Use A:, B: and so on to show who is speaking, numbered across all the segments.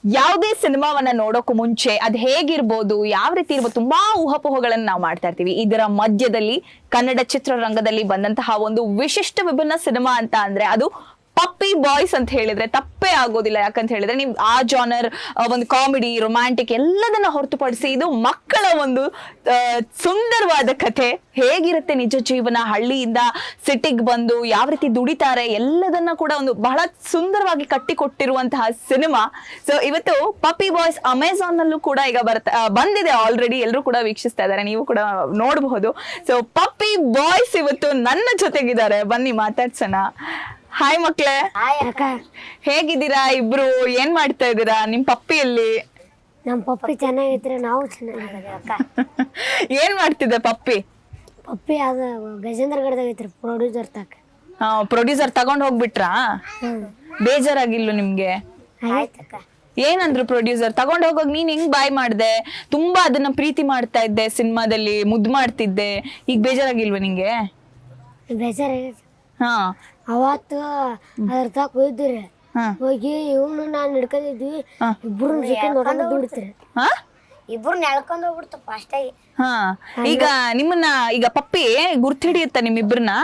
A: ಯಾವುದೇ ಸಿನಿಮಾವನ್ನ ನೋಡೋಕು ಮುಂಚೆ ಅದ್ ಹೇಗಿರ್ಬೋದು, ಯಾವ ರೀತಿ ಇರ್ಬೋದು, ತುಂಬಾ ಊಹಾಪೋಹಗಳನ್ನ ನಾವು ಮಾಡ್ತಾ ಇರ್ತೀವಿ. ಇದರ ಮಧ್ಯದಲ್ಲಿ ಕನ್ನಡ ಚಿತ್ರರಂಗದಲ್ಲಿ ಬಂದಂತಹ ಒಂದು ವಿಶಿಷ್ಟ ವಿಭಿನ್ನ ಸಿನಿಮಾ ಅಂತ ಅಂದ್ರೆ ಅದು ಪಪ್ಪಿ ಬಾಯ್ಸ್ ಅಂತ ಹೇಳಿದ್ರೆ ತಪ್ಪೇ ಆಗೋದಿಲ್ಲ. ಯಾಕಂತ ಹೇಳಿದ್ರೆ ನೀವು ಆ ಜಾನರ್, ಒಂದು ಕಾಮಿಡಿ, ರೊಮ್ಯಾಂಟಿಕ್ ಎಲ್ಲದನ್ನ ಹೊರತುಪಡಿಸಿ ಇದು ಮಕ್ಕಳ ಒಂದು ಸುಂದರವಾದ ಕಥೆ. ಹೇಗಿರುತ್ತೆ ನಿಜ ಜೀವನ, ಹಳ್ಳಿಯಿಂದ ಸಿಟಿಗೆ ಬಂದು ಯಾವ ರೀತಿ ದುಡಿತಾರೆ ಎಲ್ಲದನ್ನ ಕೂಡ ಒಂದು ಬಹಳ ಸುಂದರವಾಗಿ ಕಟ್ಟಿಕೊಟ್ಟಿರುವಂತಹ ಸಿನಿಮಾ. ಸೊ ಇವತ್ತು ಪಪ್ಪಿ ಬಾಯ್ಸ್ ಅಮೆಝಾನ್ ನಲ್ಲೂ ಕೂಡ ಈಗ ಬಂದಿದೆ ಆಲ್ರೆಡಿ, ಎಲ್ಲರೂ ಕೂಡ ವೀಕ್ಷಿಸ್ತಾ ಇದ್ದಾರೆ, ನೀವು ಕೂಡ ನೋಡಬಹುದು. ಸೊ ಪಪ್ಪಿ ಬಾಯ್ಸ್ ಇವತ್ತು ನನ್ನ ಜೊತೆಗಿದ್ದಾರೆ, ಬನ್ನಿ ಮಾತಾಡ್ಸೋಣ. ಹಾಯ್ ಮಕ್ಳೇ, ಹೇಗಿದ್ದೀರಾ ಇಬ್ರು? ಏನ್ ಮಾಡ್ತಾ ಇದ್ದೀರಾ? ನಿಮ್ ಪಪ್ಪಿಯಲ್ಲಿ?
B: ನಮ್ ಪಪ್ಪಿ ಚೆನ್ನಾಗೈತ್ರಿ, ನಾವು ಚೆನ್ನಾಗಿದ್ದೀವಿ ಅಕ್ಕ.
A: ಏನ್ ಮಾಡ್ತಿದ್ದೆ ಪಪ್ಪಿ?
B: ಪಪ್ಪಿ ಅದ ಗಜೇಂದ್ರ ಗಡದಾಗ ಐತ್ರಿ, ಪ್ರೊಡ್ಯೂಸರ್ ತಾಕ.
A: ಪ್ರೊಡ್ಯೂಸರ್ ತಗೊಂಡ್ ಹೋಗ್ಬಿಟ್ರಾ? ಬೇಜಾರಾಗಿಲ್ಲ ನಿಮ್ಗೆ?
B: ಆಯ್ತಕ್ಕ.
A: ಏನಂದ್ರು ಪ್ರೊಡ್ಯೂಸರ್? ತಗೊಂಡ್ ಹೋಗೋಗ್ ನೀನ್ ಹೆಂಗ್ ಬಾಯ್ ಮಾಡ್ದೆ? ತುಂಬಾ ಅದನ್ನ ಪ್ರೀತಿ ಮಾಡ್ತಾ ಇದ್ದೆ, ಸಿನಿಮಾದಲ್ಲಿ ಮುದ್ದು ಮಾಡ್ತಿದ್ದೆ, ಈಗ ಬೇಜಾರಾಗಿಲ್ವ ನಿಂಗೆ?
B: ಬೇಜಾರಾಗೈತಿ.
A: ಹಾ,
B: ಅವತ್ತು ಅದ್ರ ತಾಕ ಹೋಯ್ದ್ರಿ, ಹೋಗಿ ಇವನು ನಾನು ಹಿಡ್ಕೊಂಡಿದ್ವಿ, ಇಬ್ರು ನೋಡೋದು ದುಡಿತ್ರಿ. ಇಬ್ರು ಎಳ್ಕೊಂಡ್ ಹೋಗ್ಬಿಡ್ತಪ್ಪ ಅಷ್ಟಾಗಿ.
A: ಹಾ, ಈಗ ನಿಮ್ಮನ್ನ ಈಗ ಪಪ್ಪಿ ಗುರ್ತು ಹಿಡಿಯುತ್ತ ನಿಮ್ಮಿಬ್ರನ್ನ?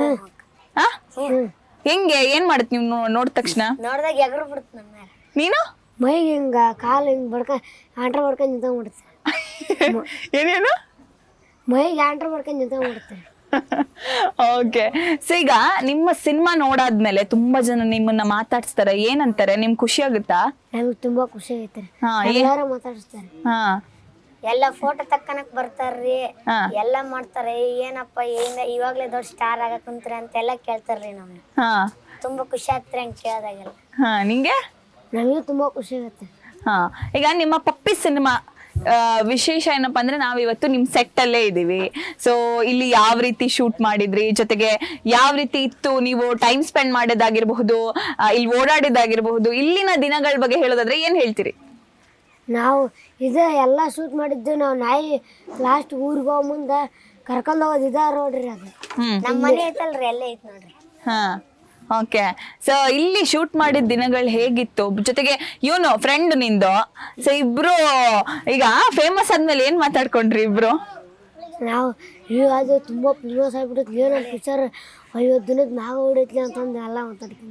A: ಹೆಂಗೆ, ಏನ್ ಮಾಡತ್ ನೀವು ನೋಡಿದ ತಕ್ಷಣ?
B: ನೋಡ್ದಾಗ ಎಗರು ಬಿಡ್ತ ನಮ್ಮ ಮೇಲೆ.
A: ನೀನು
B: ಮೈಗೆ ಹಿಂಗ ಕಾಲು ಹಿಂಗ್ ಆಂಟ್ರ ಬಡ್ಕೊಂಡ್ ನಿಂತ್ಕೊಂಡ್ಬಿಡ್ತಾರೆ.
A: ಏನೇನು?
B: ಮೈಗೆ ಆಂಟ್ರ ಬಡ್ಕೊಂಡ್ ನಿಂತ್ಕೊಂಡ್ಬಿಡ್ತಾರೆ.
A: ಓಕೆ. ಸೊ ಈಗ ನಿಮ್ಮ ಸಿನಿಮಾ ನೋಡಾದ್ಮೇಲೆ ತುಂಬಾ ಜನ ನಿಮ್ಮನ್ನ ಮಾತಾಡ್ಸ್ತಾರೆ, ಏನಂತಾರೆ? ನಿಮ್ ಖುಷಿ ಆಗುತ್ತಾ?
B: ನಮಗ್ ತುಂಬಾ ಖುಷಿ ಆಗೈತ್ರಿ, ಎಲ್ಲಾರು ಮಾತಾಡಿಸ್ತಾರೆ. ಎಲ್ಲ ಫೋಟೋ ತಕ್ಕನಕ್ ಬರ್ತಾರ್ರಿ, ಎಲ್ಲಾ ಮಾಡ್ತಾರೆ. ಏನಪ್ಪ ಇವಾಗ್ಲೇ ದೊಡ್ಡ ಸ್ಟಾರ್ ಆಗಕ್ ಕುಂತ್ರಿ ಅಂತೆಲ್ಲ ಕೇಳ್ತಾರ್ರಿ. ನಮ್ಗೆ ತುಂಬಾ ಖುಷಿ ಆಗ್ತಾರೆ ಹಂಗ ಕೇಳ್ದಾಗೆಲ್ಲ.
A: ನಿಂಗೆ?
B: ನಮಗೂ ತುಂಬಾ ಖುಷಿ ಆಗತ್ತೆ.
A: ಈಗ ನಿಮ್ಮ ಪಪ್ಪಿ ಸಿನಿಮಾ ವಿಶೇಷ ಏನಪ್ಪಾ ಅಂದ್ರೆ ನಾವಿವತ್ತು ನಿಮ್ ಸೆಟ್ ಅಲ್ಲೇ ಇದೀವಿ. ಸೊ ಇಲ್ಲಿ ಯಾವ ರೀತಿ ಶೂಟ್ ಮಾಡಿದ್ರಿ, ಜೊತೆಗೆ ಯಾವ ರೀತಿ ಇತ್ತು, ನೀವು ಟೈಮ್ ಸ್ಪೆಂಡ್ ಮಾಡೋದಾಗಿರ್ಬಹುದು, ಇಲ್ಲಿ ಓಡಾಡಿದಾಗಿರ್ಬಹುದು, ಇಲ್ಲಿನ ದಿನಗಳ ಬಗ್ಗೆ ಹೇಳೋದಾದ್ರೆ ಏನ್ ಹೇಳ್ತೀರಿ?
B: ನಾವು ಎಲ್ಲ ಶೂಟ್ ಮಾಡಿದ್ದು ನಾವು ನಾಯಿ ಲಾಸ್ಟ್ ಊರಿಗೆ ಹೋಗೋ ಮುಂದೆ ಕರ್ಕೊಂಡ್ ಹೋಗೋದು ನೋಡ್ರಿ, ಅದು ನಮ್ಮ ಮನೆ ಐತಲ್ರಿ, ಅಲ್ಲೇ ಐತ್ ನೋಡ್ರಿ.
A: ಓಕೆ. ಸೊ ಇಲ್ಲಿ ಶೂಟ್ ಮಾಡಿದ ದಿನಗಳು ಹೇಗಿತ್ತು? ಜೊತೆಗೆ ಇವನು ಫ್ರೆಂಡ್ ನಿಂದು, ಸೊ ಇಬ್ರು ಈಗ ಫೇಮಸ್ ಆದ್ಮೇಲೆ ಏನ್ ಮಾತಾಡ್ಕೊಂಡ್ರಿ ಇಬ್ರು?
B: ನಾವು ಅದು ತುಂಬಾ ಫೇಮಸ್ ಆಗ್ಬಿಡುತ್ತೆ, ಏನೋ ಪಿಕ್ಚರ್ 50 ದಿನದ ಮ್ಯಾಗ ಹೊಡೈತ್ಲಿ ಅಂತಂದು ಎಲ್ಲ ಮಾತಾಡ್ತೀನಿ.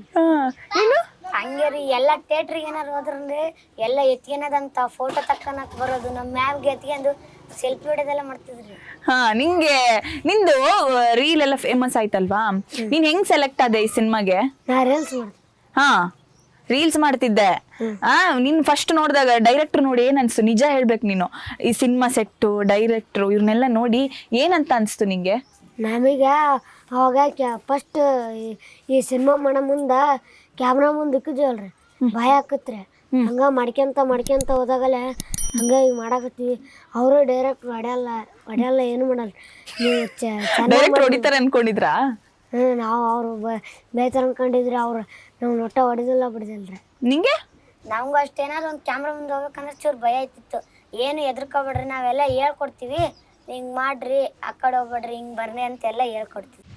B: ಹಂಗೆ ರೀ, ಎಲ್ಲ ಥಿಯೇಟ್ರಿಗೆ ಏನಾರು ಹೋದ್ರಂದ್ರೆ ಎಲ್ಲ ಎತ್ಕೊಳದಂತ ಫೋಟೋ ತಕ್ಕನಕ್ ಬರೋದು, ನಮ್ಮ ಮ್ಯಾಮ್ಗೆ ಎತ್ಕೊಂಡು ಸೆಲ್ಫಿ ಹೊಡೆದೆಲ್ಲ ಮಾಡ್ತಿದ್ರಿ.
A: ನಿಂಗೆ ನಿಂದು ರೀಲ್ ಎಲ್ಲ ಫೇಮಸ್ ಆಯ್ತಲ್ವಾ, ನೀನ್ ಹೆಂಗ್ ಸೆಲೆಕ್ಟ್ ಆದೆ ಈ ಸಿನಿಮಾಗೆ?
B: ನಾ ರೀಲ್ಸ್ ಮಾಡ್ತೀನಿ.
A: ರೀಲ್ಸ್ ಮಾಡ್ತಿದ್ದೆ. ನೀನ್ ಫಸ್ಟ್ ನೋಡಿದಾಗ ಡೈರೆಕ್ಟರ್ ನೋಡಿ ಏನ್ ಅನ್ಸ್ತು? ನಿಜ ಹೇಳ್ಬೇಕು ನೀನು, ಈ ಸಿನಿಮಾ ಸೆಟ್ಟು, ಡೈರೆಕ್ಟ್ರು ಇವ್ರನ್ನೆಲ್ಲ ನೋಡಿ ಏನಂತ ಅನ್ಸ್ತು ನಿಂಗೆ?
B: ನಮಗ ಅವಾಗ ಫಸ್ಟ್ ಈ ಸಿನಿಮಾ ಮಾಡೋ ಮುಂದ ಕ್ಯಾಮ್ರಾ ಮುಂದೆ ಇಕ್ಕಿದ್ವಲ್ರಿ, ಭಯ ಆಕತ್ರಿ. ಹಂಗ ಮಾಡ್ಕೊಂತ ಹೋದಾಗಲೇ ಹಂಗ ಈಗ ಮಾಡಾಕತ್ತೀವಿ. ಅವರು ಡೈರೆಕ್ಟ್ ಹೊಡೆಯಲ್ಲ ಏನು ಮಾಡಲ್ಲ, ನೀವು
A: ಹೊಡಿತಾರೆ ಅನ್ಕೊಂಡಿದ್ರಾ?
B: ನಾವು ಅವ್ರು ಬೇಯ್ತಾರ ಅನ್ಕೊಂಡಿದ್ರಿ, ಅವ್ರು ನಾವು ನೊಟ್ಟ ಹೊಡೆದಿಲ್ಲ ಬಿಡಿದಿಲ್ರಿ.
A: ನಿಂಗೆ?
B: ನಮ್ಗೂ ಅಷ್ಟೇನಾದ್ರು ಒಂದು ಕ್ಯಾಮ್ರಾ ಮುಂದೆ ಹೋಗ್ಬೇಕಂದ್ರೆ ಚೂರು ಭಯ ಆಯ್ತಿತ್ತು. ಏನು ಹೆದರ್ಕೋಬೇಡ್ರಿ, ನಾವೆಲ್ಲ ಹೇಳ್ಕೊಡ್ತೀವಿ, ಹಿಂಗೆ ಮಾಡ್ರಿ, ಆ ಕಡೆ ಹೋಗ್ಬೇಡ್ರಿ, ಹಿಂಗೆ ಬರ್ರಿ ಅಂತೆಲ್ಲ ಹೇಳ್ಕೊಡ್ತೀವಿ.